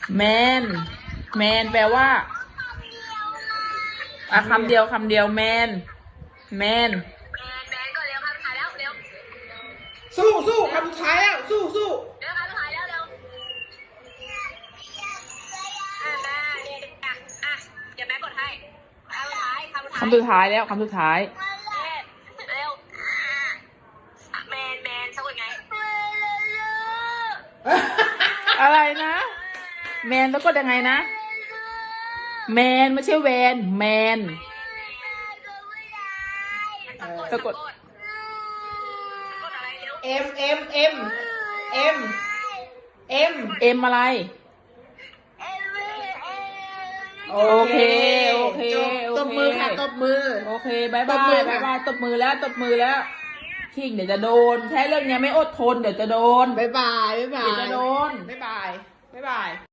แมนแมนแปลว่าคำเดียวแมนแมนแมนก่อนเร็วคำสุดท้ายแล้วเร็วสู้คำสุดท้ายแล้วสู้เร็วคำสุดท้ายแล้วเร็วแม่เนี่ยเดี๋ยวแม่กดให้คำสุดท้ายแล้วคำสุดท้ายเร็วแมนสะกดไงอะไรนะแมนแล้วก็ยังไงนะแมนไม่ใช่แวนแมนสะกดอะไรเร็วเอ็มอะไรโอเคตบมือค่ะตบมือโอเคบายบายตบมือแล้วคิงเดี๋ยวจะโดนแค่เรื่องนี้ไม่อดทนเดี๋ยวจะโดนบ๊ายบายเดี๋ยวจะโดนบ๊ายบาย